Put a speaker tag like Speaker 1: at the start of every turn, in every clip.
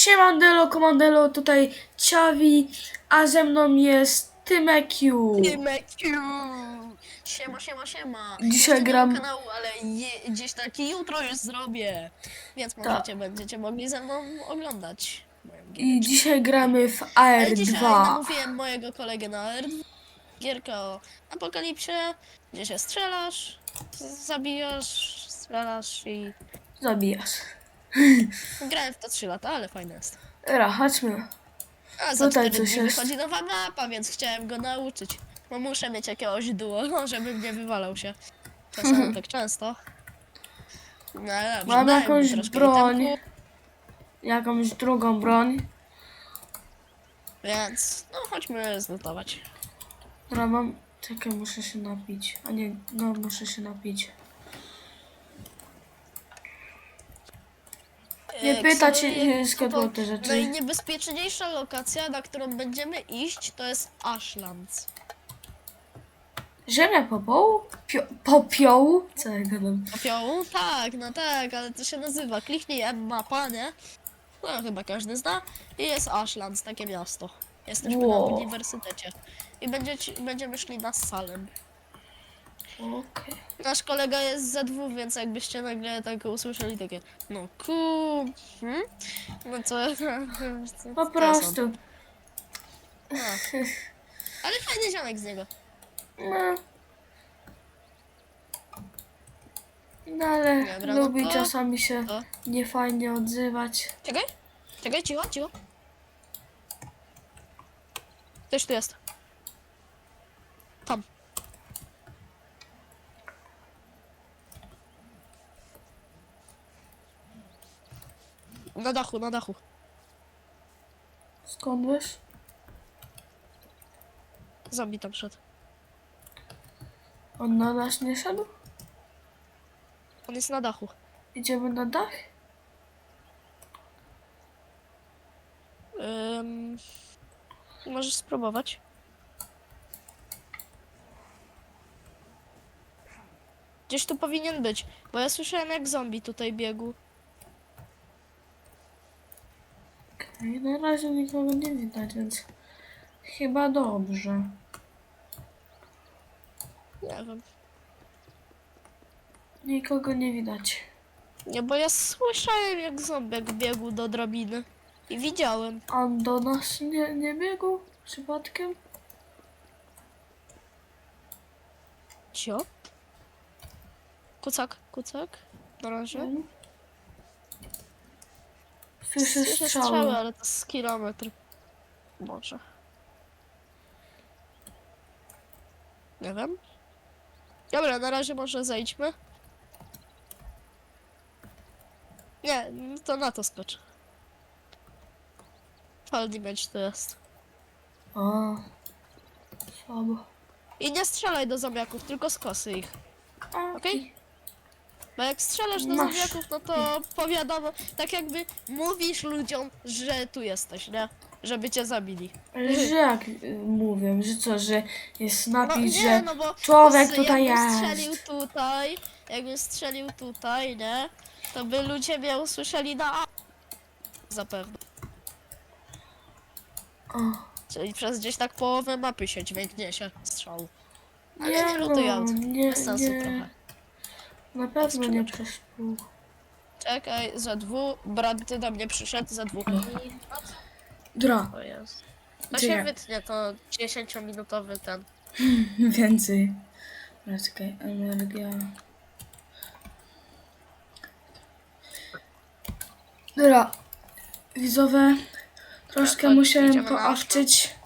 Speaker 1: Siemandelo, komandelo, tutaj Ciawi, a ze mną jest Tymekiu.
Speaker 2: Tymekiu! Siema, siema, siema.
Speaker 1: Dzisiaj
Speaker 2: Jeszcze nie
Speaker 1: gram-
Speaker 2: mam kanału, ale gdzieś taki jutro już zrobię. Więc będziecie mogli ze mną oglądać moją
Speaker 1: I
Speaker 2: giereczkę.
Speaker 1: dzisiaj gramy w
Speaker 2: Ale dzisiaj
Speaker 1: AR2.
Speaker 2: namówiłem mojego kolegę na R2. Gierka o apokalipsie, gdzie się strzelasz, zabijasz, strzelasz i...
Speaker 1: Zabijasz.
Speaker 2: Grałem w to 3 lata, ale fajne jest.
Speaker 1: Dobra, chodźmy.
Speaker 2: A za
Speaker 1: Tutaj
Speaker 2: 4
Speaker 1: coś
Speaker 2: dni
Speaker 1: jest.
Speaker 2: wychodzi nowa mapa, więc chciałem go nauczyć. Bo muszę mieć jakiegoś duo, żeby nie wywalał się. Czasem tak często. No ale dobrze,
Speaker 1: Mam
Speaker 2: daj mi
Speaker 1: jakąś
Speaker 2: troszkę
Speaker 1: broń.
Speaker 2: itemku,
Speaker 1: Jakąś drugą broń.
Speaker 2: więc no chodźmy zlutować.
Speaker 1: Dobra, mam... Czekaj, muszę się napić. A nie, no muszę się napić. Nie pytać się, skąd mam te rzeczy.
Speaker 2: Najniebezpieczniejsza lokacja, na którą będziemy iść, to jest Ashlands.
Speaker 1: Ziemia popiołu? Popiołu? Co ja gadam?
Speaker 2: Popiołu? Tak, no tak, ale to się nazywa. Kliknij M-mapa, nie? No chyba każdy zna. I jest Ashlands, takie miasto. Jesteśmy na
Speaker 1: Wow.
Speaker 2: uniwersytecie. I będziemy szli na Salem.
Speaker 1: Okej.
Speaker 2: Nasz kolega jest z ZW, więc jakbyście nagle tak usłyszeli takie no no co?
Speaker 1: Po prostu.
Speaker 2: Ale fajny ziomek z niego.
Speaker 1: No. No ale
Speaker 2: Dobra, no
Speaker 1: lubi
Speaker 2: to-
Speaker 1: czasami się
Speaker 2: to.
Speaker 1: niefajnie odzywać.
Speaker 2: Czekaj, cicho, cicho. Ktoś tu jest. Tam. Na dachu, na dachu.
Speaker 1: Skąd wiesz?
Speaker 2: Zombie tam szedł.
Speaker 1: On na nas nie szedł?
Speaker 2: On jest na dachu.
Speaker 1: Idziemy na dach?
Speaker 2: Możesz spróbować. Gdzieś tu powinien być, bo ja słyszałem jak zombie tutaj biegł.
Speaker 1: Okej, na razie nikogo nie widać, więc chyba dobrze.
Speaker 2: Nie wiem.
Speaker 1: Nikogo nie widać.
Speaker 2: Nie, bo ja słyszałem jak ząbek biegł do drabiny. I widziałem.
Speaker 1: On do nas nie biegł przypadkiem?
Speaker 2: Cio? Kucak, kucak. Na razie.
Speaker 1: Słyszę
Speaker 2: Słyszę
Speaker 1: strzały.
Speaker 2: ale to z kilometr. Może. Nie wiem. Dobra, na razie może zejdźmy. Nie, to na to skocz. Fall damage to jest.
Speaker 1: O, słabo.
Speaker 2: I nie strzelaj do zombiaków, tylko z kosy ich. Okej? Bo jak strzelasz do
Speaker 1: Masz.
Speaker 2: zombiaków, no to powiadomo, tak jakby mówisz ludziom, że tu jesteś, nie? Żeby cię zabili.
Speaker 1: Ale że jak mówię, że co, że jest napis,
Speaker 2: nie,
Speaker 1: że
Speaker 2: no bo
Speaker 1: człowiek tutaj
Speaker 2: jakbym strzelił tutaj, nie? To by ludzie mnie usłyszeli na A. Zapewne.
Speaker 1: O,
Speaker 2: Czyli przez gdzieś tak połowę mapy się dźwięk niesie strzału. Ale
Speaker 1: nie
Speaker 2: nie lutuj
Speaker 1: no,
Speaker 2: aut.
Speaker 1: nie,
Speaker 2: Bez sensu
Speaker 1: nie.
Speaker 2: trochę.
Speaker 1: Na pewno nie
Speaker 2: Skrzydlaczka.
Speaker 1: przez pół.
Speaker 2: Czekaj, ZW, brat ty do mnie przyszedł, ZW.
Speaker 1: Dra,
Speaker 2: To jest. To
Speaker 1: Gdzie?
Speaker 2: się wytnie, to 10-minutowy ten.
Speaker 1: więcej. Dobra, czekaj, energia. Dobra, widzowie, troszkę
Speaker 2: Chodź,
Speaker 1: musiałem
Speaker 2: idziemy na
Speaker 1: poawczyć,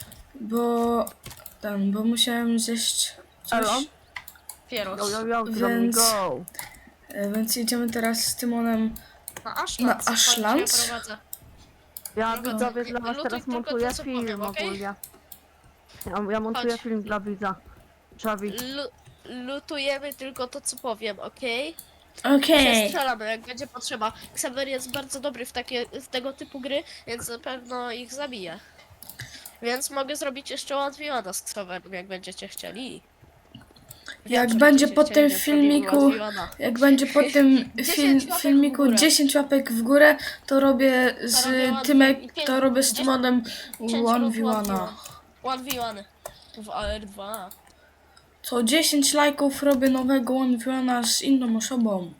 Speaker 1: bo musiałem zjeść
Speaker 2: Elo?
Speaker 1: coś,
Speaker 2: Pieros.
Speaker 1: Więc- więc jedziemy teraz z Tymonem.
Speaker 2: Na Ashlands.
Speaker 1: Na Ashlands?
Speaker 2: Chodź, ja prowadzę.
Speaker 3: Ja
Speaker 2: Drogo,
Speaker 3: widzowie dla was
Speaker 2: lutuj
Speaker 3: teraz
Speaker 2: tylko
Speaker 3: montuję
Speaker 2: to, co
Speaker 3: film
Speaker 2: powiem, okej?
Speaker 3: ogólnie. Ja montuję
Speaker 2: Chodź.
Speaker 3: film dla widza. Czawi.
Speaker 2: Lutujemy tylko to, co powiem, okej?
Speaker 1: Okej.
Speaker 2: Strzelamy, jak będzie potrzeba. Xaver jest bardzo dobry w tego typu gry, więc na pewno ich zabije. Więc mogę zrobić jeszcze łatwiej z Xaverem, jak będziecie chcieli.
Speaker 1: Jak
Speaker 2: że
Speaker 1: będzie
Speaker 2: będziecie
Speaker 1: po tym
Speaker 2: chcieli, żeby
Speaker 1: filmiku,
Speaker 2: zrobił One-v-One.
Speaker 1: jak będzie po tym
Speaker 2: 10 łapek w
Speaker 1: filmiku
Speaker 2: górę.
Speaker 1: 10 łapek w górę, to robię z
Speaker 2: robię one-
Speaker 1: Tymek,
Speaker 2: i pięć-
Speaker 1: to robię z
Speaker 2: 10
Speaker 1: Tymonem
Speaker 2: 10 lub
Speaker 1: 1v1.
Speaker 2: 1v1 w AR2.
Speaker 1: Co 10 lajków robię nowego 1v1 z inną osobą.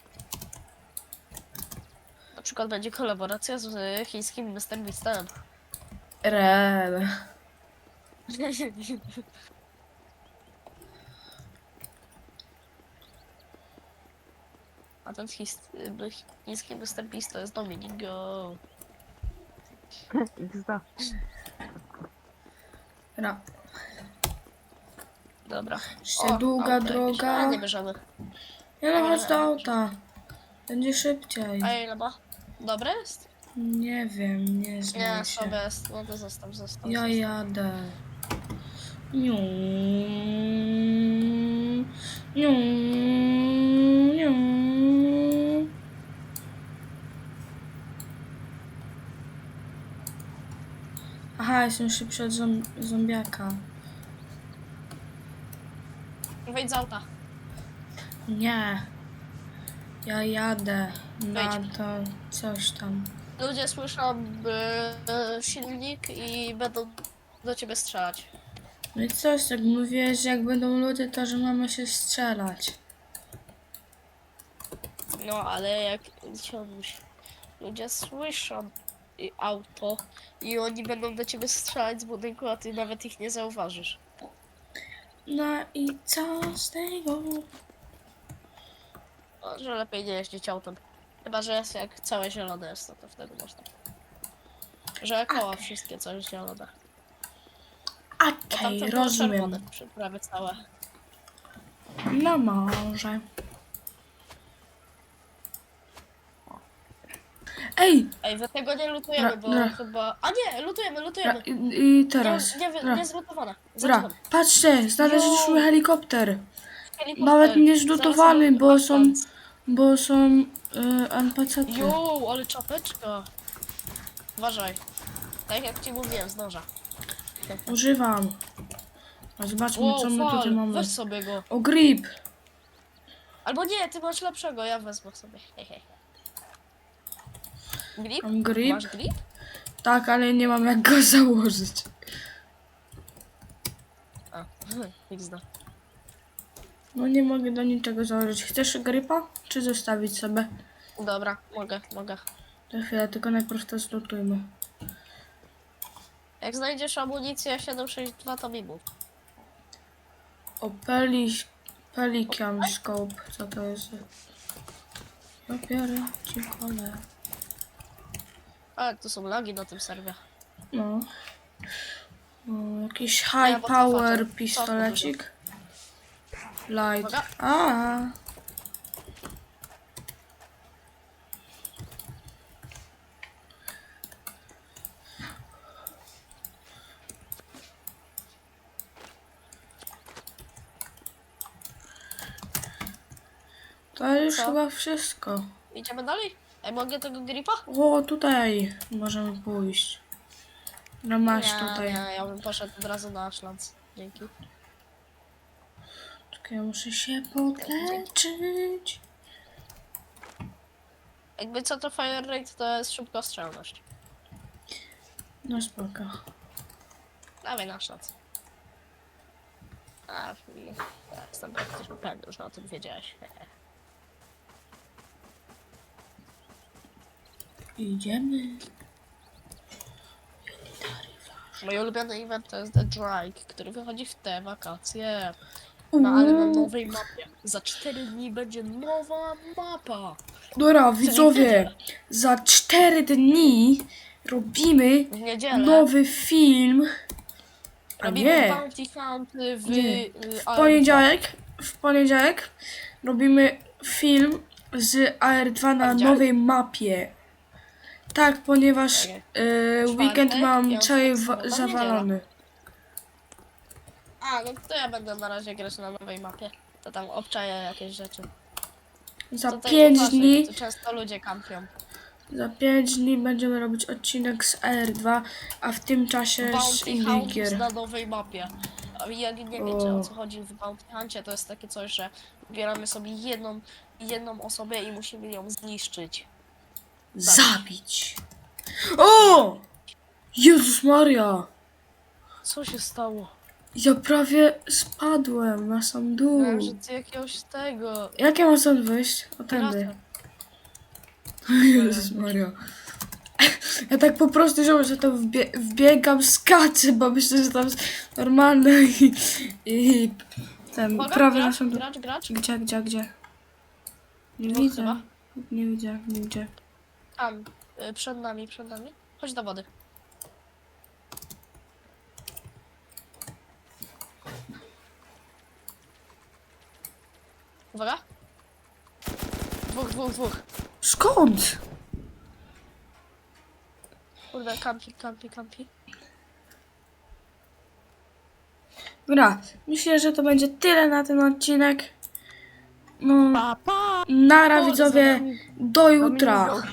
Speaker 2: Na przykład będzie kolaboracja z chińskim Mr. Beastem.
Speaker 1: Rel.
Speaker 2: A ten chiński Mr. Beast to jest Dominik Go.
Speaker 3: XD.
Speaker 1: Ra.
Speaker 2: Dobra.
Speaker 1: Jeszcze długa
Speaker 2: auto jakieś.
Speaker 1: droga.
Speaker 2: A, nie bierzemy.
Speaker 1: Nie no, chodź do auta. Będzie szybciej.
Speaker 2: A ile ma? Dobre jest?
Speaker 1: Nie wiem, nie
Speaker 2: Nie,
Speaker 1: znam
Speaker 2: sobie
Speaker 1: się.
Speaker 2: jest. No to zostaw.
Speaker 1: Ja jadę. Niu, niu, niu. Aha, jestem szybszy od zombiaka.
Speaker 2: Wejdź z auta.
Speaker 1: Nie. Ja jadę na
Speaker 2: Wejdź.
Speaker 1: to coś tam.
Speaker 2: Ludzie słyszą silnik i będą do ciebie strzelać.
Speaker 1: No i coś, tak mówiłeś, że jak będą ludzie, to że mamy się strzelać.
Speaker 2: No, ale jak ludzie słyszą auto i oni będą do ciebie strzelać z budynku, a ty nawet ich nie zauważysz.
Speaker 1: No i co z tego?
Speaker 2: Że lepiej nie jeździć autem. Chyba, że jest jak całe zielone jest, to wtedy można. Że koła wszystkie coś zielone. Bo
Speaker 1: Okej,
Speaker 2: tamte było
Speaker 1: rozumiem.
Speaker 2: czerwone, prawie całe.
Speaker 1: No może. Ej!
Speaker 2: Ej, wy tego nie lutujemy, bo
Speaker 1: Ra.
Speaker 2: chyba... A nie, lutujemy.
Speaker 1: I teraz.
Speaker 2: Nie zlutowane.
Speaker 1: Ra. Patrzcie, znaleźliśmy helikopter.
Speaker 2: Helikopter.
Speaker 1: Nawet nie
Speaker 2: Zaraz
Speaker 1: zlutowany,
Speaker 2: zobaczę,
Speaker 1: bo są,
Speaker 2: patrząc.
Speaker 1: bo są NPC-ty.
Speaker 2: Jo, ale czapeczka. Uważaj. Tak jak ci mówiłem, zdąża.
Speaker 1: Używam. A zobaczmy, co my tutaj mamy.
Speaker 2: Weź sobie go.
Speaker 1: O, grip.
Speaker 2: Albo nie, ty masz lepszego, ja wezmę sobie. Hej, hej. Grip?
Speaker 1: Mam grip.
Speaker 2: Masz grip?
Speaker 1: Tak, ale nie mam jak go założyć.
Speaker 2: A, XD.
Speaker 1: No nie mogę do niczego założyć. Chcesz gripa? Czy zostawić sobie?
Speaker 2: Dobra, mogę.
Speaker 1: To chwilę, tylko najpierw to zlutujmy.
Speaker 2: Jak znajdziesz amunicję 762, to mi mów.
Speaker 1: O, Pelican Scope. Co to jest? Dopiero ci kolę.
Speaker 2: Ale tu są lagi na tym serwie.
Speaker 1: No. O, jakiś
Speaker 2: Ja
Speaker 1: high
Speaker 2: bo
Speaker 1: power
Speaker 2: cofam.
Speaker 1: pistolecik. Light.
Speaker 2: Uwaga.
Speaker 1: A. To już
Speaker 2: Co?
Speaker 1: chyba wszystko.
Speaker 2: Idziemy dalej? Ej, mogę tego gripa?
Speaker 1: O, tutaj możemy pójść. No masz tutaj.
Speaker 2: Nie, ja bym poszedł od razu na Ashlands. Dzięki.
Speaker 1: Czekaj, ja muszę się podleczyć.
Speaker 2: Jakby co to fire rate, to jest szybkostrzelność.
Speaker 1: No spoko.
Speaker 2: Dawaj na Ashlands. A, ja jestem praktycznie pewny, że o tym wiedziałeś.
Speaker 1: Idziemy.
Speaker 2: Mój ulubiony event to jest The Drake, który wychodzi w te wakacje. No ale na nowej mapie. Za 4 dni będzie nowa mapa.
Speaker 1: Dobra, widzowie, za 4 dni robimy
Speaker 2: W niedzielę
Speaker 1: nowy film. A
Speaker 2: robimy
Speaker 1: nie,
Speaker 2: Bounty Hunt w
Speaker 1: Nie.
Speaker 2: AR2.
Speaker 1: w poniedziałek robimy film z AR2 na
Speaker 2: Poniedziałek?
Speaker 1: nowej mapie. Tak, ponieważ
Speaker 2: Czekaj.
Speaker 1: weekend mam
Speaker 2: piątek,
Speaker 1: cały
Speaker 2: sobota,
Speaker 1: zawalony.
Speaker 2: A, no to ja będę na razie grać na nowej mapie. To tam obczaję jakieś rzeczy.
Speaker 1: Za
Speaker 2: Tutaj
Speaker 1: 5
Speaker 2: uważaj,
Speaker 1: dni,
Speaker 2: Tu często ludzie kampią.
Speaker 1: za 5 dni będziemy robić odcinek z AR2, a w tym czasie z
Speaker 2: Bounty
Speaker 1: innych
Speaker 2: Hunt
Speaker 1: gier.
Speaker 2: na nowej mapie. A jak nie wiecie o co chodzi w Bounty Huncie, to jest takie coś, że wybieramy sobie jedną osobę i musimy ją zniszczyć.
Speaker 1: Zabić. O! Jezus Maria!
Speaker 2: Co się stało?
Speaker 1: Ja prawie spadłem na sam dół.
Speaker 2: Myślałem, że ty jakiegoś tego...
Speaker 1: Jak ja mam stąd wyjść? O tędy. Jezus Maria. Ja tak po prostu żałuję, że to wbiegam, skaczę, bo myślę, że tam jest normalne i ten
Speaker 2: Uwaga,
Speaker 1: prawie na
Speaker 2: gracz,
Speaker 1: sam dół.
Speaker 2: gracz.
Speaker 1: Gdzie? Nie
Speaker 2: Dwóch
Speaker 1: widzę.
Speaker 2: chyba.
Speaker 1: Nie widzę.
Speaker 2: Tam, przed nami. Chodź do wody. Uwaga. Dwóch.
Speaker 1: Skąd?
Speaker 2: Kurde, kampi.
Speaker 1: Dobra, myślę, że to będzie tyle na ten odcinek. No,
Speaker 3: Pa, pa!
Speaker 1: nara
Speaker 2: Kurde,
Speaker 1: widzowie,
Speaker 2: Dominik.
Speaker 1: do jutra.
Speaker 3: Dominik,